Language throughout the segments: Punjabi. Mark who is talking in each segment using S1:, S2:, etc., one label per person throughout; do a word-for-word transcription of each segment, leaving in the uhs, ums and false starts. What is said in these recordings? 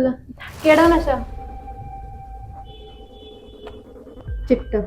S1: ਗੱਲ?
S2: ਕਿਹੜਾ ਨਸ਼ਾ?
S1: ਚਿੱਟਾ।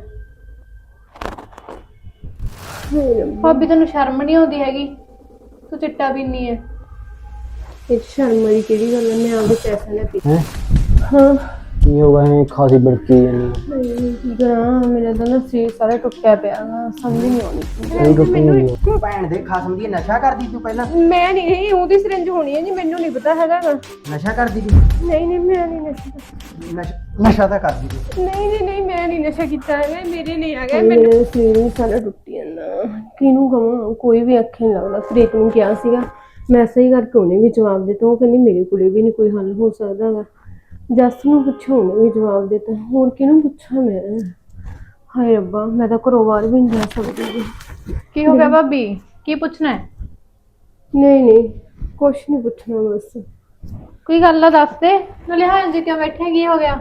S2: ਭਾਬੀ ਤੈਨੂੰ ਸ਼ਰਮ ਨਹੀਂ ਆਉਂਦੀ ਹੈਗੀ? ਤੂੰ ਚਿੱਟਾ ਪੀਨੀ ਹੈ?
S1: ਇਹ ਸ਼ਰਮ ਵਾਲੀ ਕਿਹੜੀ ਗੱਲ ਹੈ? ਮੈਂ ਆਪਦੇ ਪੈਸੇ ਨਾਲ ਪੀ।
S3: हैं
S1: ਹਾਂ।
S3: ये होगा है खासी बड़की यानी
S1: ਨਹੀਂ ਕੀ ਕਰਾਂ, ਮੇਰਾ ਤਾਂ ਨਾ ਸਰੀਰ ਸਾਰਾ ਟੁੱਟਿਆ ਪਿਆ ਵਾ, ਸਮਝ ਨਹੀਂ ਆਉਂਦੀ।
S3: सही तो तुम ही हो।
S4: ਭੈਣ ਦੇ ਖਸਮ ਦੀ ਨਸ਼ਾ ਕਰਦੀ ਤੂੰ ਪਹਿਲਾਂ?
S1: ਮੈਂ ਨਹੀਂ, ਉਹਦੀ ਸਿਰੰਜ ਹੋਣੀ ਹੈ ਜੀ, ਮੈਨੂੰ ਨਹੀਂ ਪਤਾ ਹੈਗਾ ਗਾ।
S4: ਨਸ਼ਾ ਕਰਦੀ ਤੂੰ?
S1: ਨਹੀਂ ਨਹੀਂ ਮੈਂ ਨਹੀਂ ਨਸ਼ਾ ਕੀਤਾ।
S4: ਨਸ਼ਾ ਨਸ਼ਾ ਤਾਂ ਕਰਦੀ ਤੂੰ।
S1: ਨਹੀਂ ਨਹੀਂ ਨਹੀਂ ਮੈਂ ਨਹੀਂ ਨਸ਼ਾ ਕੀਤਾ ਹੈਗਾ, ਮੇਰੇ ਨਹੀਂ ਆ ਗਿਆ। ਮੇਰੇ ਸਰੀਰ ਵੀ ਸਾਰਾ ਟੁੱਟੀ ਜਾਂਦਾ, ਕਿਹਨੂੰ ਕਹਾਂ, ਕੋਈ ਵੀ ਅੱਖੇ ਨਹੀਂ ਲੱਗਦਾ। ਪ੍ਰੀਤ ਨੂੰ ਕਿਹਾ ਸੀਗਾ, ਮੈਸੇਜ ਕਰਕੇ ਉਹਨੇ ਵੀ ਜਵਾਬ ਦਿੱਤਾ। ਉਹ ਕਹਿੰਦੀ ਮੇਰੇ ਕੋਲੇ ਵੀ ਨਹੀਂ ਕੋਈ ਹੱਲ ਹੋ ਸਕਦਾ ਹੈਗਾ। ਜੱਸ ਨੂੰ ਪੁੱਛੋ, ਉਹਨੇ ਵੀ ਜਵਾਬ ਦਿੱਤਾ। ਹੋਰ ਕਿਹਨੂੰ ਪੁੱਛਾਂ ਮੈਂ? ਹਾਏ ਰੱਬਾ, ਮੈਂ ਤਾਂ ਘਰੋਂ ਬਾਹਰ ਵੀ ਨਹੀਂ ਜਾ ਸਕਦੀ।
S2: ਕੀ ਹੋ ਗਿਆ ਭਾਬੀ? ਕੀ ਪੁੱਛਣਾ ਹੈ?
S1: ਨਹੀਂ ਨਹੀਂ ਕੁਛ ਨਹੀਂ ਪੁੱਛਣਾ, ਬਸ
S2: ਕੋਈ ਗੱਲ ਆ ਦੱਸ ਦੇ। ਨਾਲੇ ਹਾਂ ਜੀ ਕਿਉਂ ਬੈਠੇ? ਕੀ ਹੋ ਗਿਆ?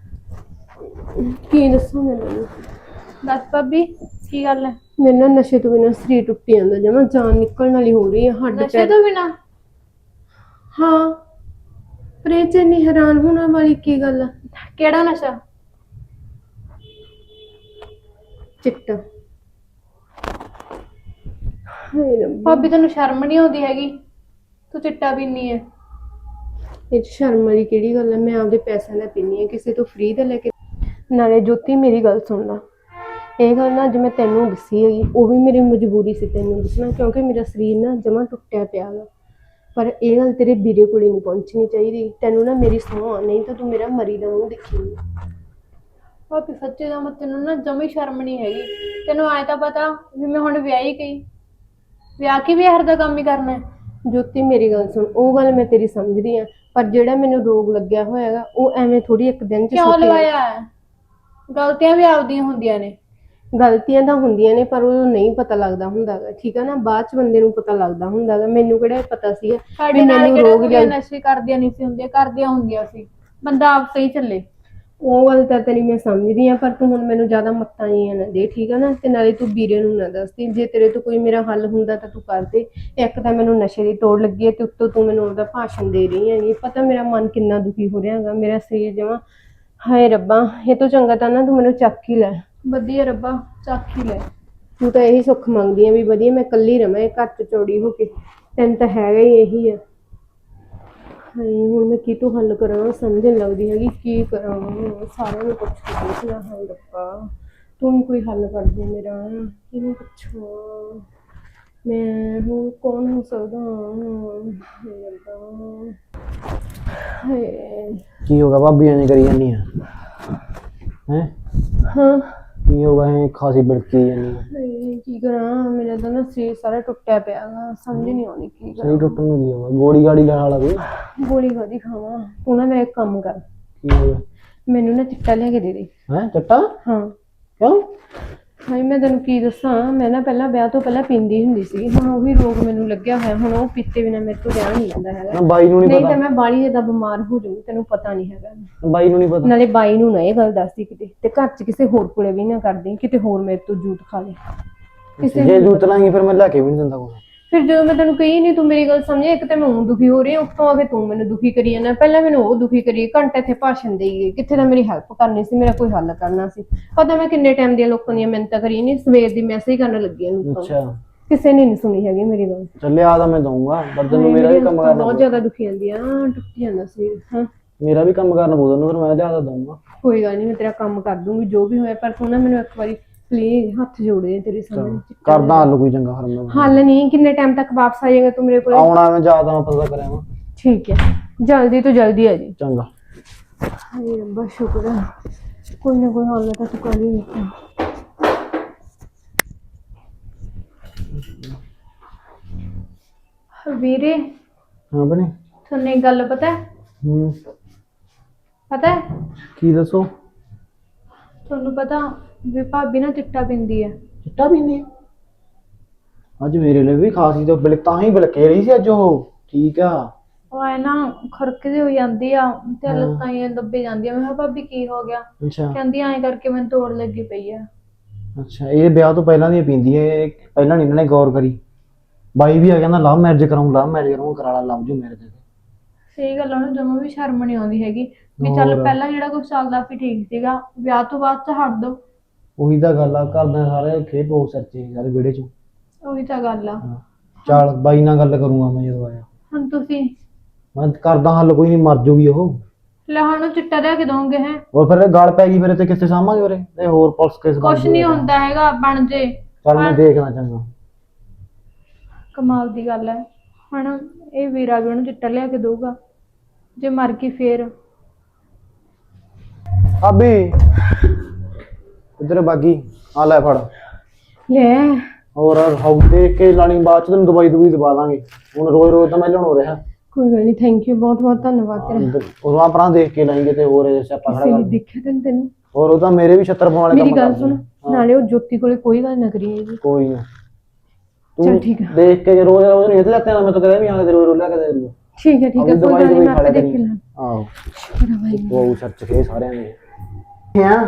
S1: ਕੀ ਦੱਸਾਂ ਮੈਨੂੰ?
S2: ਦੱਸ ਭਾਬੀ ਕੀ ਗੱਲ ਹੈ?
S1: ਮੇਰੇ ਨਾਲ ਨਸ਼ੇ ਤੋਂ ਬਿਨਾਂ ਸਰੀਰ ਟੁੱਟੀ ਜਾਂਦਾ, ਜਮਾਂ ਜਾਨ ਨਿਕਲਣ ਵਾਲੀ ਹੋ ਰਹੀ ਹੈ। ਹੱਡ
S2: ਨਸ਼ੇ
S1: ਪੈਰ
S2: ਤੋਂ ਬਿਨਾ?
S1: ਹਾਂ, ਪਰ ਇਹ 'ਚ ਇੰਨੀ ਹੈਰਾਨ ਹੋਣ ਵਾਲੀ ਕੀ ਗੱਲ ਆ?
S2: ਕਿਹੜਾ ਨਸ਼ਾ?
S1: ਚਿੱਟਾ। ਹਾਏ ਰੱਬਾ,
S2: ਭਾਬੀ ਤੈਨੂੰ ਸ਼ਰਮ ਨਹੀਂ ਆਉਂਦੀ ਹੈਗੀ? ਤੂੰ ਚਿੱਟਾ ਪੀਨੀ ਹੈ?
S1: ਇਹ 'ਚ ਸ਼ਰਮ ਵਾਲੀ ਕਿਹੜੀ ਗੱਲ ਹੈ? ਮੈਂ ਆਪਦੇ ਪੈਸਿਆਂ ਨਾਲ ਪੀਨੀ ਹੈ, ਕਿਸੇ ਤੋਂ ਫ੍ਰੀ ਦਾ ਲੈ ਕੇ। ਨਾਲੇ ਜੋਤੀ ਮੇਰੀ ਗੱਲ ਸੁਣ ਲਾ, ਇਹ ਗੱਲ ਨਾ ਅੱਜ ਮੈਂ ਤੈਨੂੰ ਦੱਸੀ ਹੈਗੀ, ਉਹ ਵੀ ਮੇਰੀ ਮਜਬੂਰੀ ਸੀ ਤੈਨੂੰ ਦੱਸਣਾ, ਕਿਉਂਕਿ ਮੇਰਾ ਸਰੀਰ ਨਾ ਜਮਾਂ ਟੁੱਟਿਆ ਪਿਆ ਵਾ। ਪਰ ਇਹ ਗੱਲ ਤੇਰੇ ਵੀਰੇ ਕੋਲੇ ਨਹੀਂ ਪਹੁੰਚਣੀ ਚਾਹੀਦੀ। ਤੈਨੂੰ ਨਾ ਮੇਰੀ ਸਹੁੰ, ਨਹੀਂ ਤਾਂ ਤੂੰ ਮੇਰਾ ਮਰੀ ਦਾ ਮੂੰਹ ਦੇਖੇਂਗੀ।
S2: ਭਾਬੀ ਸੱਚੇ ਦਾ ਮਤ ਤੈਨੂੰ ਨਾ ਜਮੀ ਸ਼ਰਮ ਨਹੀਂ ਹੈਗੀ। ਤੈਨੂੰ ਆਏ ਤਾਂ ਪਤਾ ਵੀ ਮੈਂ ਹੁਣ ਵਿਆਹੀ ਗਈ, ਵਿਆਹ ਕੇ ਵੀ ਇਹੋ ਦਾ ਕੰਮ ਹੀ ਕਰਨਾ ਹੈ।
S1: ਜੋਤੀ ਮੇਰੀ ਗੱਲ ਸੁਣ, ਉਹ ਗੱਲ ਮੈਂ ਤੇਰੀ ਸਮਝਦੀ ਆ, ਪਰ ਜਿਹੜਾ ਮੈਨੂੰ ਰੋਗ ਲੱਗਿਆ ਹੋਇਆ ਹੈਗਾ, ਉਹ ਐਵੇਂ ਥੋੜੀ ਇੱਕ ਦਿਨ ਚ
S2: ਕਿਉਂ
S1: ਸੁੱਕ
S2: ਲਵਾਇਆ ਹੈ? ਗਲਤੀਆਂ ਵੀ ਆਪਦੀਆਂ ਹੁੰਦੀਆਂ ਨੇ।
S1: ਗਲਤੀਆਂ ਤਾਂ ਹੁੰਦੀਆਂ ਨੇ, ਪਰ ਉਹ ਨਹੀਂ ਪਤਾ ਲੱਗਦਾ ਹੁੰਦਾ ਗਾ, ਠੀਕ ਆ ਨਾ? ਬਾਅਦ ਚ ਬੰਦੇ ਨੂੰ ਪਤਾ ਲੱਗਦਾ ਹੁੰਦਾ ਗਾ। ਮੈਨੂੰ ਕਿਹੜਾ ਪਤਾ ਸੀਗਾ
S2: ਸਾਡੇ
S1: ਵੀ
S2: ਨਾਲ
S1: ਮੈਨੂੰ
S2: ਕਿਹੜਾ
S1: ਰੋਗ
S2: ਕੁੜੀਆਂ
S1: ਲੱਗ।
S2: ਨਸ਼ੇ ਕਰਦੀਆਂ ਨਹੀਂ ਸੀ ਹੁੰਦੀਆਂ, ਕਰਦੀਆਂ ਹੁੰਦੀਆਂ ਸੀ। ਬੰਦਾ ਆਪ ਸਹੀ ਚੱਲੇ।
S1: ਉਹ ਗੱਲ ਤਾਂ ਤੇਰੀ ਮੈਂ ਸਮਝਦੀ ਆ, ਪਰ ਤੂੰ ਹੁਣ ਮੈਨੂੰ ਜ਼ਿਆਦਾ ਮੱਤਾਂ ਜੀਆਂ ਨਾ ਦੇ, ਠੀਕ ਆ ਨਾ? ਤੇ ਨਾਲੇ ਤੂੰ ਵੀਰੇ ਨੂੰ ਨਾ ਦੱਸਦੀ, ਜੇ ਤੇਰੇ ਤੋਂ ਕੋਈ ਮੇਰਾ ਹੱਲ ਹੁੰਦਾ ਤਾਂ ਤੂੰ ਕਰ ਦੇ। ਇੱਕ ਤਾਂ ਮੈਨੂੰ ਨਸ਼ੇ ਦੀ ਤੋੜ ਲੱਗੀ ਹੈ, ਤੇ ਉੱਤੋਂ ਤੂੰ ਮੈਨੂੰ ਉਹਦਾ ਭਾਸ਼ਣ ਦੇ ਰਹੀ ਹੈਗੀ। ਪਤਾ ਮੇਰਾ ਮਨ ਕਿੰਨਾ ਦੁਖੀ ਹੋ ਰਿਹਾ ਹੈਗਾ, ਮੇਰਾ ਸਰੀਰ ਜਮਾਂ। ਹਾਏ ਰੱਬਾ, ਇਹ ਤੋਂ ਚੰਗਾ ਤਾਂ ਨਾ ਤੂੰ ਮੈਨੂੰ ਚੱਕ ਹੀ ਲੈ।
S2: ਵਧੀਆ ਰੱਬਾ, ਚੱਕ ਹੀ ਲੈ।
S1: ਤੂੰ ਤਾਂ ਇਹੀ ਸੁੱਖ ਮੰਗਦੀ ਆ ਵੀ ਵਧੀਆ ਮੈਂ ਇਕੱਲੀ ਰਵਾਂ ਇਹ ਘਰ ਚ ਚੌੜੀ ਹੋ ਕੇ, ਤੈਨੂੰ ਤਾਂ ਹੈਗਾ ਹੀ ਇਹੀ ਆ। ਹਾਏ ਹੁਣ ਮੈਂ ਕਿਤੋਂ ਹੱਲ ਕਰਾਂ, ਸਮਝ ਨਹੀਂ ਲੱਗਦੀ ਹੈਗੀ ਕੀ ਕਰਾਂ। ਸਾਰਿਆਂ ਨੂੰ ਪੁੱਛ ਕੇ ਦੇਖ ਲਾ। ਹਾਏ ਰੱਬਾ, ਤੂੰ ਵੀ ਕੋਈ ਹੱਲ ਕਰ ਦੇ ਮੇਰਾ, ਕਿਹਨੂੰ ਪੁੱਛਾਂ ਮੈਂ? ਹੁਣ ਕੌਣ ਹੋ ਸਕਦਾ? ਹਾਏ ਰੱਬਾ, ਹਾਏ।
S3: की होगा भाभी यानी करी जानी है हैं
S1: ਹਾਂ।
S3: की होगा है खासी बड़की यानी
S1: ਹਾਏ ਕੀ ਕਰਾਂ, ਮੇਰਾ ਤਾਂ ਨਾ ਸਰੀਰ ਸਾਰਾ ਟੁੱਟਿਆ ਪਿਆ ਗਾ, ਸਮਝ ਨਹੀਂ ਆਉਂਦੀ ਕੀ ਕਰਾਂ।
S3: सही टुटन में होगा गोली गाड़ी लगा वाला कोई
S1: ਗੋਲੀ ਕਾਹਦੀ ਖਾਵਾਂ? ਤੂੰ ਨਾ ਮੇਰਾ ਇੱਕ ਕੰਮ ਕਰ,
S3: की होगा
S1: ਮੈਨੂੰ ਨਾ ਚਿੱਟਾ ਲਿਆ ਕੇ ਦੇ ਦੇ।
S3: हैं चट्टा
S1: ਹਾਂ।
S3: क्यों
S1: ਹਾਏ ਮੈਂ ਤੈਨੂੰ ਕੀ ਦੱਸਾਂ, ਮੈਂ ਨਾ ਪਹਿਲਾਂ ਵਿਆਹ ਤੋਂ ਪਹਿਲਾਂ ਪੀਂਦੀ ਹੁੰਦੀ ਸੀ, ਹੁਣ ਉਹੀ ਰੋਗ ਮੈਨੂੰ ਲੱਗਿਆ ਹੋਇਆ। ਹੁਣ ਉਹ ਪੀਤੇ ਬਿਨਾਂ ਮੇਰੇ ਤੋਂ ਰਹਿ ਨਹੀਂ ਜਾਂਦਾ ਹੈਗਾ।
S3: ना बाई नू नहीं
S1: ਨਹੀਂ ਤਾਂ
S3: पता
S1: ਮੈਂ ਬਾਹਲੀ ਜ਼ਿਆਦਾ ਬਿਮਾਰ ਹੋ ਜਾਊਂ, ਤੈਨੂੰ ਪਤਾ ਨਹੀਂ ਹੈਗਾ।
S3: बाई नू नहीं पता
S1: ਨਾਲੇ ਬਾਈ ਨੂੰ ਨਾ ਇਹ ਗੱਲ ਦੱਸਦੀ ਕਿਤੇ, ਤੇ ਘਰ 'ਚ ਕਿਸੇ ਹੋਰ ਕੋਲੇ ਵੀ ਨਾ ਕਰਦੀ, ਕਿਤੇ ਹੋਰ ਮੇਰੇ ਤੋਂ ਜੂਤ ਖਾ ਲੇ ਕਿਸੇ
S3: जे
S1: ਨੂੰ।
S3: जूत लाएंगे फिर मैं लाके भी नहीं दिंदा कोई
S1: ਫਿਰ ਜਦੋਂ ਮੈਂ ਤੈਨੂੰ ਕਹੀ ਨਹੀਂ, ਤੂੰ ਮੇਰੀ ਗੱਲ ਸਮਝੇ। ਇੱਕ ਤਾਂ ਮੈਂ ਉਹ ਦੁਖੀ ਹੋ ਰਹੀ ਹਾਂ, ਉੱਤੋਂ ਆ ਕੇ ਤੂੰ ਮੈਨੂੰ ਦੁਖੀ ਕਰੀ ਜਾਂਦਾ। ਪਹਿਲਾਂ ਮੈਨੂੰ ਉਹ ਦੁਖੀ ਕਰੀ, ਘੰਟੇ ਇੱਥੇ ਭਾਸ਼ਣ ਦੇਈ ਗਈ, ਕਿੱਥੇ ਤਾਂ ਮੇਰੀ ਹੈਲਪ ਕਰਨੀ ਸੀ, ਮੇਰਾ ਕੋਈ ਹੱਲ ਕਰਨਾ ਸੀ। ਪਤਾ ਮੈਂ ਕਿੰਨੇ ਟਾਈਮ ਦੀਆਂ ਲੋਕਾਂ ਦੀਆਂ ਮਿਹਨਤਾਂ ਕਰੀ ਨਹੀਂ, ਸਵੇਰ ਦੀ ਮੈਸੇਜ ਕਰਨ ਲੱਗੀ ਹਾਂ ਲੋਕਾਂ ਨੂੰ,
S3: अच्छा
S1: ਕਿਸੇ ਨੇ ਨਹੀਂ ਸੁਣੀ ਹੈਗੀ ਮੇਰੀ ਗੱਲ।
S3: चल आधा मैं दूंगा पर तेन मेरा भी काम करना
S1: ਬਹੁਤ ਜ਼ਿਆਦਾ ਦੁਖੀ ਜਾਂਦੀ ਆ, ਟੁੱਟੀ ਜਾਂਦਾ ਸੀ। ਹਾਂ
S3: मेरा भी काम करना पਊ ਤੈਨੂੰ, ਫਿਰ ਮੈਂ ਲਿਆਦਾ ਦਊਂਗਾ।
S1: ਕੋਈ ਗੱਲ ਨਹੀਂ, ਮੈਂ ਤੇਰਾ ਕੰਮ ਕਰ ਦੂੰਗੀ ਜੋ ਵੀ ਹੋਇਆ, ਪਰ ਤੂੰ ਨਾ ਮੈਨੂੰ ਇੱਕ ਵਾਰੀ ਪਲੀਜ਼ ਹੱਥ ਜੋੜੇ ਆ ਤੇਰੇ ਸਾਹਮਣੇ।
S3: ਕਰਦਾ ਹੱਲ ਕੋਈ ਚੰਗਾ ਫਿਰ ਮੈਂ
S1: ਹੱਲ ਨਹੀਂ, ਕਿੰਨੇ ਟਾਈਮ ਤੱਕ ਵਾਪਸ ਆ ਜਾਏਗਾ ਤੂੰ ਮੇਰੇ ਕੋਲ?
S3: ਆਉਣਾ ਮੈਂ ਜ਼ਿਆਦਾ ਮੈਂ ਪਤਾ ਕਰਿਆ ਵਾ
S1: ਠੀਕ ਹੈ, ਜਲਦੀ ਤੋਂ ਜਲਦੀ ਆ ਜੀ।
S3: ਚੰਗਾ।
S1: ਹਾਏ ਰੱਬਾ ਸ਼ੁਕਰ ਹੈ, ਕੋਈ ਨਾ ਕੋਈ ਹੱਲ ਤਾਂ ਤੂੰ ਕਰ ਹੀ ਦਿੱਤਾ।
S2: ਵੀਰੇ
S3: ਹਾਂ ਬਣੇ
S2: ਤੁਹਾਨੂੰ ਇੱਕ ਗੱਲ ਪਤਾ ਹੈ?
S3: ਹੂੰ
S2: ਪਤਾ ਹੈ
S3: ਕੀ ਦੱਸੋ?
S2: ਤੁਹਾਨੂੰ ਪਤਾ ਵੀ ਭਾਬੀ ਨਾ ਚਿੱਟਾ ਪੀਂਦੀ ਹੈ?
S3: ਚਿੱਟਾ ਪੀਂਦੀ ਅੱਜ ਮੇਰੇ ਲਈ ਵੀ ਖਾਸੀ ਤੋਂ ਬਿਲ ਤਾਂ ਹੀ ਬਿਲਕੇ ਰਹੀ ਸੀ ਅੱਜ ਉਹ। ਠੀਕ ਆ।
S2: ਉਹ ਐ ਨਾ ਖੁਰਕਦੀ ਹੋ ਜਾਂਦੀ ਆ ਤੇ ਲੱਤਾਂ ਹੀ ਦੱਬੇ ਜਾਂਦੀਆਂ। ਮੈਂ ਕਿਹਾ ਭਾਬੀ ਕੀ ਹੋ ਗਿਆ?
S3: ਅੱਛਾ
S2: ਕਹਿੰਦੀ ਐਂ ਕਰਕੇ ਮੈਨੂੰ ਤੋੜ ਲੱਗੀ ਪਈ ਆ।
S3: ਅੱਛਾ ਇਹ ਵਿਆਹ ਤੋਂ ਪਹਿਲਾਂ ਦੀ ਪੀਂਦੀ ਹੈ, ਪਹਿਲਾਂ ਨਹੀਂ ਇਹਨਾਂ ਨੇ ਗੌਰ ਕਰੀ। ਬਾਈ ਵੀ ਆ ਕਹਿੰਦਾ ਲਵ ਮੈਰਿਜ ਕਰਾਉਂ ਲਵ ਮੈਰਿਜ ਕਰਾਉਂ, ਕਰਾ ਲਾ ਲਵ ਜੂ ਮੈਰਿਜ।
S2: ਸਹੀ ਗੱਲ ਆ, ਉਹਨੂੰ ਜਮਾਂ ਵੀ ਸ਼ਰਮ ਨਹੀਂ ਆਉਂਦੀ ਹੈਗੀ ਵੀ ਚੱਲ
S3: ਹੋਰ।
S2: ਪਹਿਲਾਂ ਜਿਹੜਾ ਕੁਝ ਚੱਲਦਾ ਸੀ ਠੀਕ ਸੀਗਾ, ਵਿਆਹ ਤੋਂ ਬਾਅਦ ਚ ਹਟ ਦੋ।
S3: ਉਹੀ ਤਾਂ ਗੱਲ ਆ, ਘਰਦਿਆਂ ਸਾਰੇ ਖੇਡ ਬਹੁਤ ਸੱਚੇ ਸਾਰੇ ਵਿਹੜੇ ਚ।
S2: ਉਹੀ ਤਾਂ ਗੱਲ ਆ।
S3: ਹਾਂ। ਚੱਲ ਬਾਈ ਨਾਲ ਗੱਲ ਕਰੂੰਗਾ ਮੈਂ ਜਦੋਂ ਆਇਆ।
S2: ਹੁਣ ਤੁਸੀਂ
S3: ਮੈਂ ਕਰਦਾ ਹੱਲ, ਕੋਈ ਨਹੀਂ, ਮਰ ਜੂਗੀ ਉਹ।
S2: ਲੈ ਹੁਣ ਉਹ ਚਿੱਟਾ ਲਿਆ ਕੇ ਦੋਗੇ ਹੈ?
S3: ਹੋਰ ਫਿਰ ਇਹ ਗੱਲ ਪੈ ਗਈ, ਫਿਰ ਤੇ ਕਿੱਥੇ ਸਾਂਭਾਂਗੇ ਉਰੇ, ਤੇ ਹੋਰ ਪੁਲਿਸ ਕੇਸ ਬਣ
S2: ਕੁਛ ਨਹੀਂ ਹੁੰਦਾ ਹੈਗਾ, ਬਣ ਜੇ।
S3: ਚੱਲ ਮੈਂ ਦੇਖਦਾ ਚੰਗਾ।
S2: ਕਮਾਲ ਦੀ ਗੱਲ ਹੈ। ਹੁਣ ਇਹ ਵੀਰਾ ਵੀ ਉਹਨੂੰ ਚਿੱਟਾ ਲਿਆ ਕੇ ਦਊਗਾ, ਜੇ ਮਰ ਗਈ ਫੇਰ।
S3: ਅਬੀ ਇਧਰ ਬਾਗੀ ਆ ਲੈ ਫੜ।
S1: ਲੈ
S3: ਹੋਰ ਹਉ ਦੇਖ ਕੇ ਲਾਣੀ, ਬਾਅਦ ਚ ਤੈਨੂੰ ਦਵਾਈ ਦਵਾਈ ਦਵਾ ਦਾਂਗੇ। ਹੁਣ ਰੋਜ਼ ਰੋਜ਼ ਤਾਂ ਮੈਂ ਲਿਆਉਣ ਹੋ ਰਿਹਾ।
S1: ਕੋਈ ਗੱਲ ਨਹੀਂ, ਥੈਂਕ ਯੂ, ਬਹੁਤ ਬਹੁਤ ਧੰਨਵਾਦ ਤੇਰਾ।
S3: ਉਦੋਂ ਆਪਣਾ ਦੇਖ ਕੇ ਲਾਏਂਗੇ ਤੇ ਹੋਰ ਸਿਆਪਾ ਖੜਾ
S1: ਕਿਸੇ ਨੇ
S3: ਕਰ।
S1: ਦੇਖਿਆ ਤੈਨੂੰ ਤੈਨੂੰ
S3: ਹੋਰ ਉਹ ਤਾਂ ਮੇਰੇ ਵੀ ਛੱਤਰ ਪਾਉਣ ਵਾਲੇ
S1: ਮੇਰੀ
S3: ਕੰਮ
S1: ਗੱਲ
S3: ਕਰਦੇ
S1: ਸੁਣ,
S3: ਨੇ। ਹਾਂ,
S1: ਨਾਲੇ ਉਹ ਜੋਤੀ ਕੋਲੇ ਕੋਈ ਗੱਲ ਨਾ ਕਰੀ ਜੀ।
S3: ਕੋਈ ਨਾ।
S1: ਚੱਲ
S3: ਤੂੰ
S1: ਠੀਕ ਆ।
S3: ਦੇਖ ਕੇ ਜੇ ਰੋਜ਼ ਰੋਜ਼ ਨਹੀਂ ਇੱਥੇ ਲੱਗਦਾ, ਮੈਂ ਤਾਂ ਕਦੇ ਵੀ ਆ ਕੇ ਰੋਜ਼ ਰੋਜ਼ ਲਿਆ ਕੇ ਦੇ ਦੂੰ।
S1: ਠੀਕ ਹੈ ਠੀਕ ਹੈ, ਕੋਈ ਗੱਲ ਨਹੀਂ, ਮੈਂ ਆਪੇ ਦੇਖ ਕੇ ਲਾਂ।
S3: ਆਹੋ
S1: ਮੇਰਾ ਭਾਈ
S3: ਉਹ ਸੱਚ ਕੇ ਸਾਰਿਆਂ ਨੇ।
S4: ਹਾਂ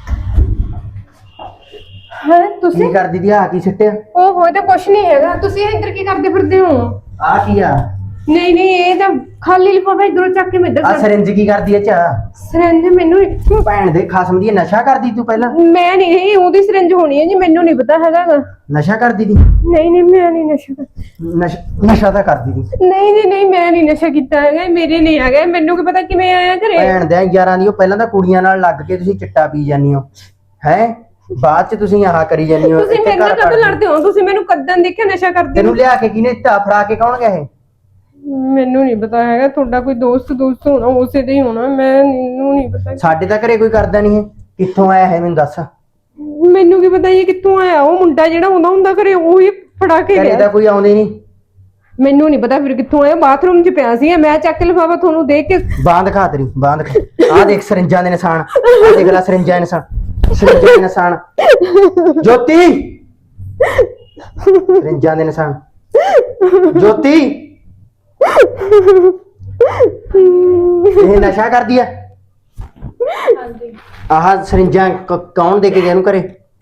S1: ਹਾਂ ਤੁਸੀਂ
S4: ਕੀ ਕਰਦੀ ਦੀ ਆ ਕੀ ਸਿੱਟਿਆ?
S1: ਉਹ ਹੋਏ ਤਾਂ ਕੁਛ ਨਹੀਂ ਹੈਗਾ, ਤੁਸੀਂ ਇੱਧਰ ਕੀ ਕਰਦੇ ਫਿਰਦੇ ਹੋ?
S4: ਆ ਕੀ ਆ?
S1: ਨਹੀਂ ਨਹੀਂ, ਇਹ ਤਾਂ ਖਾਲੀ ਲਿਫਾਫਾ ਇਧਰੋਂ ਚੱਕ ਕੇ ਮੈਂ ਇੱਧਰ
S4: ਆ
S1: ਕਰ
S4: ਸਿਰਿੰਜ ਕੀ ਕਰਦੀ ਐ ਚਾ?
S1: ਸਿਰੰਜ ਮੈਨੂੰ
S4: ਭੈਣ ਦੇ ਖਸਮ ਦੀ, ਇਹ ਨਸ਼ਾ ਕਰਦੀ ਤੂੰ ਪਹਿਲਾਂ?
S1: ਮੈਂ ਨਹੀਂ, ਇਹ ਉਹਦੀ ਸਿਰੰਜ ਹੋਣੀ ਹੈ ਜੀ, ਮੈਨੂੰ ਨਹੀਂ ਪਤਾ ਹੈਗਾ ਗਾ।
S4: ਨਸ਼ਾ ਕਰਦੀ ਦੀ?
S1: ਨਹੀਂ ਨਹੀਂ, ਮੈਂ ਨਹੀਂ ਨਸ਼ਾ ਕਰ-
S4: ਨਸ਼ਾ ਨਸ਼ਾ ਤਾਂ ਕਰਦੀ ਦੀ।
S1: ਨਹੀਂ ਨਹੀਂ ਨਹੀਂ, ਮੈਂ ਨਹੀਂ ਨਸ਼ਾ ਕੀਤਾ ਹੈਗਾ, ਇਹ ਮੇਰੇ ਨਹੀਂ ਹੈਗਾ, ਮੈਨੂੰ ਕੀ ਪਤਾ ਕਿਵੇਂ ਆਇਆ ਘਰੇ।
S4: ਭੈਣ ਦੇ ਯਾਰਾਂ ਦੀ, ਉਹ ਪਹਿਲਾਂ ਤਾਂ ਕੁੜੀਆਂ ਨਾਲ ਲੱਗ ਕੇ ਤੁਸੀਂ ਚਿੱਟਾ ਪੀ ਜਾਂਦੀ ਹੋ ਹੈ, ਬਾਅਦ ਚ ਤੁਸੀਂ ਆਹ ਕਰੀ ਜਾਂਦੀ ਹੋ।
S1: ਤੁਸੀਂ
S4: ਇੱਥੇ
S1: ਮੇਰੇ ਨਾਲ
S4: ਘਰ
S1: ਕਦੋਂ
S4: ਪੜ੍ਹਦੀ।
S1: ਲੜਦੇ ਹੋ? ਤੁਸੀਂ ਮੈਨੂੰ ਕਦੋਂ ਦੇਖਿਆ ਨਸ਼ਾ ਕਰਦੇ
S4: ਤੈਨੂੰ
S1: ਨੂੰ?
S4: ਲਿਆ ਕੇ ਕਿਹਨੇ ਢਾ ਫੜਾ ਕੇ ਕੌਣ ਗਿਆ ਇਹ?
S1: ਮੈਨੂੰ ਨਹੀਂ ਪਤਾ ਹੈਗਾ, ਤੁਹਾਡਾ ਕੋਈ ਦੋਸਤ ਦੋਸਤ ਹੋਣਾ, ਉਸੇ ਦੇ ਹੀ ਹੋਣਾ, ਮੈਨੂੰ ਨਹੀਂ ਪਤਾ।
S4: ਸਾਡੇ ਤਾਂ ਘਰੇ ਕੋਈ ਕਰਦਾ ਨਹੀਂ ਹੈ। ਕਿੱਥੋਂ ਆਇਆ ਹੈ ਮੈਨੂੰ ਦੱਸ।
S1: ਮੈਨੂੰ ਕੀ ਪਤਾ ਇਹ ਕਿੱਥੋਂ ਆਇਆ? ਉਹ ਮੁੰਡਾ ਜਿਹੜਾ ਆਉਂਦਾ ਹੁੰਦਾ ਘਰੇ, ਉਹ ਹੀ ਫੜਾ ਕੇ
S4: ਘਰੇ
S1: ਗਿਆ।
S4: ਤਾਂ ਕੋਈ ਆਉਂਦੇ ਨਹੀਂ।
S1: ਮੈਨੂੰ ਨਹੀਂ ਪਤਾ ਫਿਰ ਕਿੱਥੋਂ ਆਇਆ, ਬਾਥਰੂਮ 'ਚ ਪਿਆ ਸੀ, ਮੈਂ ਚੱਕ ਕੇ ਲਿਫਾਫਾ ਤੁਹਾਨੂੰ ਦੇਖ ਕੇ।
S4: ਬਾਂਦ ਖਾ ਤੇਰੀ ਬਾਂਦ ਖਾ। ਆ ਦੇਖ ਸਰਿੰਜਾਂ ਦੇ ਨਿਸ਼ਾਨ, ਆ ਦੇਖ ਲੈ ਸਰਿੰਜਾਂ ਦੇ ਨਿਸ਼ਾਨ, ਸਰਿੰਜਾਂ ਦੇ ਨਿਸ਼ਾਨ। ਜੋਤੀ ਸਰਿੰਜਾਂ ਦੇ ਨਿਸ਼ਾਨ। ਜੋਤੀ ਇਹ ਨਸ਼ਾ ਕਰਦੀ ਆ?
S2: ਹਾਂਜੀ
S4: ਆਹ ਸਰਿੰਜਾਂ ਕ- ਕੌਣ ਦੇ ਕੇ ਗਿਆ ਇਹਨੂੰ ਘਰੇ?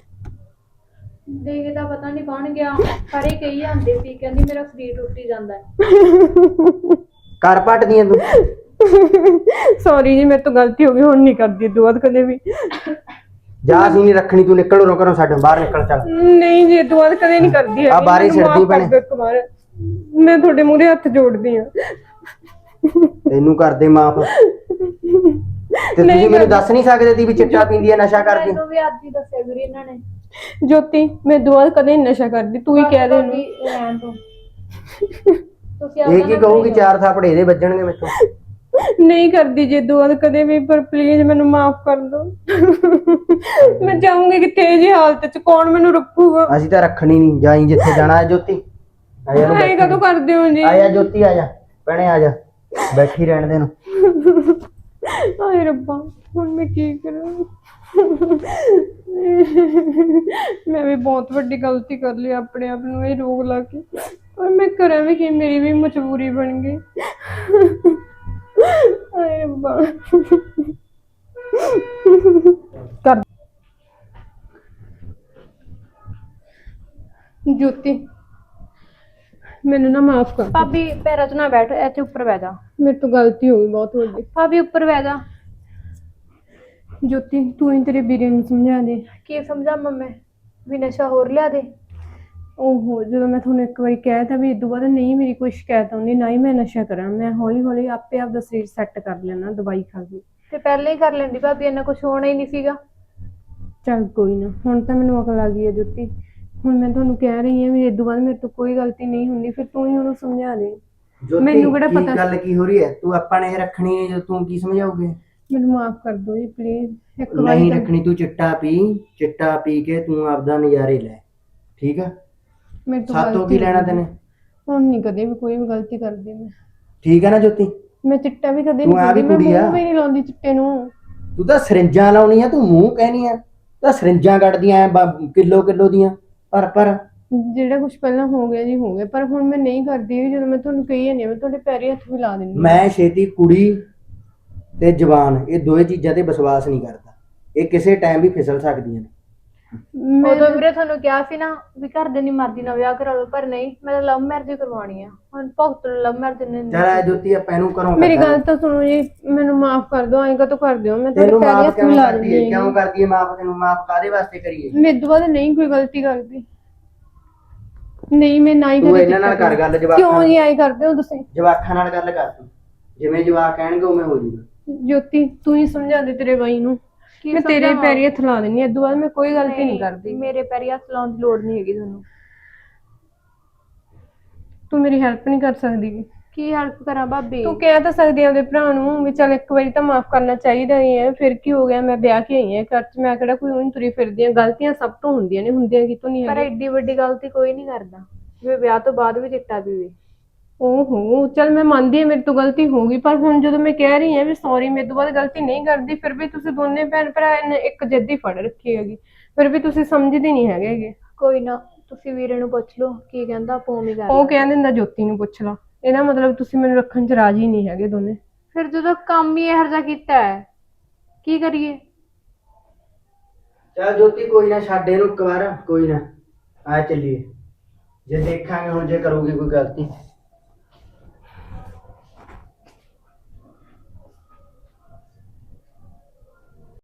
S2: ਦੇਖ ਤਾਂ ਪਤਾ ਨਹੀਂ ਕੌਣ ਗਿਆ, ਸਾਰੇ ਕਹੀ ਜਾਂਦੇ ਸੀ, ਕਹਿੰਦੀ ਮੇਰਾ ਸਰੀਰ ਟੁੱਟੀ ਜਾਂਦਾ ਹੈ।
S4: ਘਰ ਪੱਟਦੀਆਂ ਤੂੰ?
S1: ਸੌਰੀ ਜੀ, ਮੇਰੇ ਤੋਂ ਗਲਤੀ ਹੋ ਗਈ, ਹੁਣ ਨਹੀਂ ਕਰਦੀ ਦੁਆਦ ਕਦੇ ਵੀ।
S4: ਜਾ ਅਸੀਂ ਨਹੀਂ ਰੱਖਣੀ, ਤੂੰ ਨਿਕਲ ਉਰੋਂ ਘਰੋਂ, ਸਾਡੇ ਬਾਹਰ ਨਿਕਲ ਚੱਲ।
S1: ਨਹੀਂ ਜੀ, ਦੁਆਦ ਕਦੇ ਨਹੀਂ ਕਰਦੀ
S4: ਆ ਬਾਹਰ ਹੀ
S1: ਮੈਨੂੰ ਮਾਫ਼
S4: ਛੱਡਦੀ
S1: ਕਰ
S4: ਭੈਣੇ।
S1: ਦਿਓ ਇੱਕ ਵਾਰ, ਮੈਂ ਤੁਹਾਡੇ ਮੂਹਰੇ ਹੱਥ ਜੋੜਦੀ ਹਾਂ।
S4: ਤੈਨੂੰ ਕਰਦੇ ਮਾਫ। ਤੇ
S1: ਨਹੀਂ
S4: ਤੁਸੀਂ ਮੈਨੂੰ
S1: ਕਰਦੀ।
S4: ਦੱਸ ਨਹੀਂ ਸਕਦੇ ਸੀ ਵੀ ਚਿੱਟਾ ਪੀਂਦੀ ਹੈ, ਨਸ਼ਾ ਕਰਦੀ?
S2: ਮੈਨੂੰ ਵੀ ਅੱਜ ਹੀ ਦੱਸਿਆ ਵੀਰੇ ਇਹਨਾਂ ਨੇ।
S1: ਜੋਤੀ, ਮੈਂ ਦੁਆਦ ਕਦੇ ਨਹੀਂ ਨਸ਼ਾ ਕਰਦੀ, ਤੂੰ ਹੀ ਕਹਿ ਦੇ ਇਹਨੂੰ।
S2: ਭਾਬੀ, ਰਹਿਣ ਦਿਓ। ਤੁਸੀਂ
S4: ਇਹ ਕੀ ਕਹੂਗੀ? ਚਾਰ ਥਾਪੜੇ ਇਹਦੇ ਵੱਜਣਗੇ ਮੈਥੋਂ।
S1: ਨਹੀਂ ਕਰਦੀ ਜੇ ਦੁਆਦ ਕਦੇ ਵੀ, ਪਰ ਪਲੀਜ਼ ਮੈਨੂੰ ਮਾਫ ਕਰ ਦਿਓ। ਮੈਂ ਜਾਊਂਗੀ ਕਿੱਥੇ ਜੀ ਹਾਲਤ 'ਚ, ਕੌਣ ਮੈਨੂੰ ਰੱਖੂਗਾ?
S4: ਅਸੀਂ ਤਾਂ ਰੱਖਣੀ ਨਹੀਂ, ਜਾਈ ਜਿੱਥੇ ਜਾਣਾ ਹੈ। ਜੋਤੀ ਆ ਜਾ,
S1: ਐਂ ਕਦੋਂ ਕਰਦੇ ਹੋ ਜੀ?
S4: ਆ ਜਾ ਜੋਤੀ, ਆ ਜਾ ਭੈਣੇ, ਆ ਜਾ, ਬੈਠੀ ਰਹਿਣ ਦੇ ਨੂੰ।
S1: ਹਾਏ ਰੱਬਾ, ਹੁਣ ਮੈਂ ਕੀ ਕਰਾਂ? ਮੈਂ ਵੀ ਬਹੁਤ ਵੱਡੀ ਗਲਤੀ ਕਰ ਲਈ, ਆਪਣੇ ਆਪ ਨੂੰ ਇਹ ਰੋਗ ਲਾ ਕੇ, ਪਰ ਮੈਂ ਕਰਾਂ ਵੀ ਕੀ, ਮੇਰੀ ਵੀ ਮਜਬੂਰੀ ਬਣ ਗਈ। ਹਾਏ ਰੱਬਾ। ਕਰ ਜੋਤੀ, ਮੈਨੂੰ ਨਾ ਮਾਫ ਕਰ।
S2: ਭਾਬੀ ਪੈਰਾਂ 'ਚ ਨਾ ਬੈਠ, ਇੱਥੇ ਉੱਪਰ ਬਹਿ ਜਾ।
S1: ਮੇਰੇ ਤੋਂ ਗਲਤੀ ਹੋ ਗਈ ਬਹੁਤ ਵੱਡੀ।
S2: ਭਾਬੀ ਉੱਪਰ ਬਹਿ ਜਾ।
S1: ਜੋਤੀ, ਤੂੰ ਹੀ ਤੇਰੇ ਵੀਰੇ ਨੂੰ ਸਮਝਾ ਦੇ।
S2: ਕੀ ਸਮਝਾ ਮੰਮੀ? ਵੀ ਨਸ਼ਾ ਹੋਰ ਲਿਆ ਦੇ?
S1: ਓਹੋ, ਜਦੋਂ ਮੈਂ ਤੁਹਾਨੂੰ ਇੱਕ ਵਾਰੀ ਕਹਿ ਤਾ ਵੀ ਇਦੋਂ ਬਾਅਦ ਨਹੀਂ ਮੇਰੀ ਕੋਈ ਸ਼ਿਕਾਇਤ ਆਉਂਦੀ, ਨਾ ਹੀ ਮੈਂ ਨਸ਼ਾ ਕਰਾਂ, ਮੈਂ ਹੌਲੀ ਹੌਲੀ ਆਪੇ ਆਪ ਦਾ ਸਰੀਰ ਸੈੱਟ ਕਰ ਲੈਣਾ ਦਵਾਈ ਖਾ ਕੇ।
S2: ਤੇ ਪਹਿਲਾਂ ਹੀ ਕਰ ਲੈਂਦੀ ਭਾਬੀ, ਇੰਨਾ ਕੁਝ ਹੋਣਾ ਹੀ ਨਹੀਂ ਸੀਗਾ।
S1: ਚੱਲ ਕੋਈ ਨਾ, ਹੁਣ ਤਾਂ ਮੈਨੂੰ ਅਕਲ ਆ ਗਈ ਹੈ ਜੋਤੀ। ਹੁਣ ਮੈਂ ਤੁਹਾਨੂੰ ਕਹਿ ਰਹੀ ਹਾਂ ਵੀ ਇਦੋਂ ਬਾਅਦ ਮੇਰੇ ਤੋਂ ਕੋਈ ਗਲਤੀ ਨਹੀਂ ਹੁੰਦੀ, ਫਿਰ ਤੂੰ ਹੀ ਉਹਨੂੰ ਸਮਝਾ ਦੇ। ਮੈਨੂੰ ਕਿਹੜਾ ਪਤਾ?
S4: ਗੱਲ ਕੀ ਹੋ ਰਹੀ ਹੈ? ਤੂੰ ਆਪਾਂ ਨੇ ਇਹ ਰੱਖਣੀ ਹੈ, ਤੂੰ ਕੀ ਸਮਝਾਉਗੇ?
S1: ਮੈਨੂੰ ਮਾਫ ਕਰ ਦਿਓ ਜੀ ਪਲੀਜ਼, ਇੱਕ ਵਾਰੀ
S4: ਨਹੀਂ
S1: ਤਾਂ-
S4: ਰੱਖਣੀ। ਤੂੰ ਚਿੱਟਾ ਪੀ, ਚਿੱਟਾ ਪੀ ਕੇ ਤੂੰ ਆਪਦਾ ਨਜ਼ਾਰੇ ਲੈ, ਠੀਕ ਆ?
S1: ਮੇਰੇ ਤੋਂ
S4: ਸਾਤੋਂ
S1: ਗਲਤੀ
S4: ਕੀ ਲੈਣਾ
S1: ਹੋ ਗਈ।
S4: ਤੈਨੇ?
S1: ਹੁਣ ਨਹੀਂ ਕਦੇ ਵੀ ਕੋਈ ਵੀ ਗਲਤੀ ਕਰਦੀ ਮੈਂ।
S4: ਠੀਕ ਆ ਨਾ ਜੋਤੀ?
S1: ਮੈਂ ਚਿੱਟਾ ਵੀ ਕਦੇ
S4: ਤੂੰ
S1: ਨਹੀਂ
S4: ਆ ਵੀ
S1: ਕਰਦੀ, ਮੈਂ
S4: ਕੁੜੀ ਆ।
S1: ਮੂੰਹ ਵੀ ਨਹੀਂ ਲਾਉਂਦੀ ਚਿੱਟੇ ਨੂੰ।
S4: ਤੂੰ ਤਾਂ ਸਰਿੰਜਾਂ ਲਾਉਣੀ ਆ, ਤੂੰ ਮੂੰਹ ਕਹਿਨੀ ਆ, ਤਾਂ ਸਰਿੰਜਾਂ ਕੱਢਦੀਆਂ ਕਿਲੋ ਕਿਲੋ ਦੀਆਂ ਪਰ ਪਰ।
S1: ਜਿਹੜਾ ਕੁਝ ਪਹਿਲਾਂ ਹੋ ਗਿਆ ਜੀ ਹੋ ਗਿਆ, ਪਰ ਹੁਣ ਮੈਂ ਨਹੀਂ ਕਰਦੀ ਹੈਗੀ। ਜਦੋਂ ਮੈਂ ਤੁਹਾਨੂੰ ਕਹੀ ਜਾਂਦੀ ਹਾਂ, ਮੈਂ ਤੁਹਾਡੇ ਪੈਰੀ ਹੱਥ ਵੀ ਲਾ ਦਿੰਦੀ ਹਾਂ।
S4: ਮੈਂ ਛੇਤੀ ਕੁੜੀ ਤੇ ਜਵਾਨ, ਇਹ ਦੋਏ ਚੀਜ਼ਾਂ ਤੇ ਵਿਸ਼ਵਾਸ ਨਹੀਂ ਕਰਦਾ। ਇਹ ਕਿਸੇ ਟਾਈਮ ਵੀ ਫਿਸਲ ਸਕਦੀਆਂ ਨੇ।
S1: ਮੈਂ
S2: ਉਦੋਂ ਵੀਰੇ ਤੁਹਾਨੂੰ ਕਿਹਾ ਸੀ ਨਾ ਵੀ ਘਰ ਦੇ ਨਹੀਂ ਮਰਜ਼ੀ ਨਾਲ ਵਿਆਹ ਕਰਾ ਲਓ, ਪਰ ਨਹੀਂ, ਮੈਂ ਤਾਂ ਲਵ ਮੈਰਿਜ ਕਰਵਾਉਣੀ ਆ। ਹੁਣ ਭਗਤ ਨੂੰ ਲਵ ਮੈਰਿਜ ਨੇ
S4: ਚੱਲ ਆ ਜੋਤੀ ਆਪਾਂ ਇਹਨੂੰ ਘਰੋਂ
S1: ਮੇਰੀ
S4: ਕੱਢਾਂਗੇ।
S1: ਗੱਲ ਤਾਂ ਸੁਣੋ ਜੀ, ਮੈਨੂੰ ਮਾਫ ਕਰ ਦਿਓ, ਐਂ ਕਦੋਂ ਕਰ ਦਿਓ, ਮੈਂ ਤੁਹਾਡੇ
S4: ਤੈਨੂੰ
S1: ਪੈਰੀਂ
S4: ਮਾਫ
S1: ਹੱਥ
S4: ਕਿਉਂ
S1: ਮਿਲਾ
S4: ਕਰਦੀ
S1: ਦਿੰਦੀ
S4: ਹੈ? ਕਿਉਂ
S1: ਹਾਂ।
S4: ਕਰਦੀ ਹੈ ਮਾਫ? ਤੈਨੂੰ ਮਾਫ ਕਾਦੇ ਵਾਸਤੇ ਕਰੀਏ?
S1: ਮੇਰੇ ਤੋਂ ਬਾਅਦ ਨਹੀਂ ਕੋਈ ਗਲਤੀ ਕਰਦੀ, ਨਹੀਂ ਮੈਂ ਨਾ ਹੀ
S4: ਤੂੰ
S1: ਕਦੇ
S4: ਇਹਨਾਂ ਨਾਲ
S1: ਕੀਤਾ
S4: ਕਰ ਗੱਲ
S1: ਕਿਉਂ
S4: ਜਵਾਕਾਂ
S1: ਜੀ ਐਂ ਕਰਦੇ ਹੋ ਤੁਸੀਂ?
S4: ਜਵਾਕਾਂ ਨਾਲ ਗੱਲ ਕਰ ਤੂੰ, ਜਿਵੇਂ ਜਵਾਕ ਕਹਿਣਗੇ ਉਵੇਂ ਹੋ ਜੂਗਾ।
S1: ਜੋਤੀ ਤੂੰ ਹੀ ਸਮਝਾ ਦੇ ਤੇਰੇ ਬਾਈ ਨੂੰ,
S2: ਕੀ
S1: ਮੈਂ ਤੇਰੇ
S2: ਸਮਝਾਵਾਂ?
S1: ਪੈਰੀਂ ਹੱਥ ਲਾ ਦਿੰਦੀ ਹਾਂ, ਇਸ ਤੋਂ ਬਾਅਦ ਮੈਂ ਕੋਈ ਗਲਤੀ ਨਹੀਂ ਕਰਦੀ।
S2: ਮੇਰੇ ਪੈਰੀ ਹੱਥ ਲਾਉਣ ਦੀ ਲੋੜ ਨਹੀਂ ਹੈਗੀ ਤੁਹਾਨੂੰ।
S1: ਤੂੰ ਮੇਰੀ ਹੈਲਪ ਨਹੀਂ ਕਰ ਸਕਦੀ?
S2: ਕੀ ਹੈਲਪ ਕਰਾਂ ਭਾਬੀ?
S1: ਤੂੰ ਕਹਿ ਤਾਂ ਸਕਦੀ ਆ ਉਹਦੇ ਭਰਾ ਨੂੰ ਵੀ ਚੱਲ ਇੱਕ ਵਾਰੀ ਤਾਂ ਮਾਫ ਕਰਨਾ ਚਾਹੀਦਾ ਹੀ ਹੈ, ਫਿਰ ਕੀ ਹੋ ਗਿਆ, ਮੈਂ ਵਿਆਹ ਕੇ ਆਈ ਹਾਂ ਘਰ 'ਚ, ਮੈਂ ਕਿਹੜਾ ਕੋਈ ਉਹਨੂੰ ਤੁਰੀ ਫਿਰਦੀ ਹਾਂ, ਗਲਤੀਆਂ ਸਭ ਤੋਂ ਹੁੰਦੀਆਂ ਨੇ, ਹੁੰਦੀਆਂ ਕਿਤੋਂ ਨਹੀਂ
S2: ਪਰ
S1: ਹੈਗੀਆਂ।
S2: ਐਡੀ ਵੱਡੀ ਗਲਤੀ ਕੋਈ ਨਹੀਂ ਕਰਦਾ ਵੀ ਵਿਆਹ ਤੋਂ ਬਾਅਦ ਵੀ ਚਿੱਟਾ ਪੀਵੇ।
S1: ਓਹੋ ਚੱਲ ਮੈਂ ਮੰਨਦੀ ਹਾਂ ਮੇਰੇ ਤੋਂ ਗਲਤੀ ਹੋ ਗਈ, ਪਰ ਹੁਣ ਜਦੋਂ ਮੈਂ ਕਹਿ ਰਹੀ ਹਾਂ ਵੀ ਸੌਰੀ ਮੇਰੇ ਤੋਂ ਬਾਅਦ ਗਲਤੀ ਨਹੀਂ ਕਰਦੀ, ਫਿਰ ਵੀ ਤੁਸੀਂ ਦੋਨੇ ਭੈਣ ਭਰਾ ਨੇ ਇੱਕ ਜਿੱਦ ਹੀ ਫੜ ਰੱਖੀ ਹੈਗੀ, ਫਿਰ ਵੀ ਤੁਸੀਂ ਸਮਝਦੇ ਨਹੀਂ ਹੈਗੇ ਗੇ।
S2: ਕੋਈ ਨਾ, ਤੁਸੀਂ ਵੀਰੇ ਨੂੰ ਪੁੱਛ ਲਓ ਕੀ ਕਹਿੰਦਾ, ਆਪਾਂ ਉਵੇਂ ਕਰ
S1: ਉਹ
S2: ਲਾਂਗੇ।
S1: ਕਹਿ ਦਿੰਦਾ ਜੋਤੀ ਨੂੰ ਪੁੱਛ ਲਾ, ਇਹਦਾ ਮਤਲਬ ਤੁਸੀਂ ਮੈਨੂੰ ਰੱਖਣ 'ਚ ਰਾਜੀ ਨਹੀਂ ਹੈਗੇ ਦੋਨੇ।
S2: ਫਿਰ ਜਦੋਂ ਕੰਮ ਹੀ ਇਹੋ ਜਿਹਾ ਕੀਤਾ ਹੈ, ਕੀ ਕਰੀਏ?
S4: ਚੱਲ ਜੋਤੀ ਕੋਈ ਨਾ, ਛੱਡ ਇਹਨੂੰ ਇੱਕ ਵਾਰ, ਕੋਈ ਨਾ ਆ ਚੱਲੀਏ। ਜੇ ਦੇਖਾਂਗੇ ਹੁਣ ਜੇ ਕਰੂਗੀ ਕੋਈ ਗਲਤੀ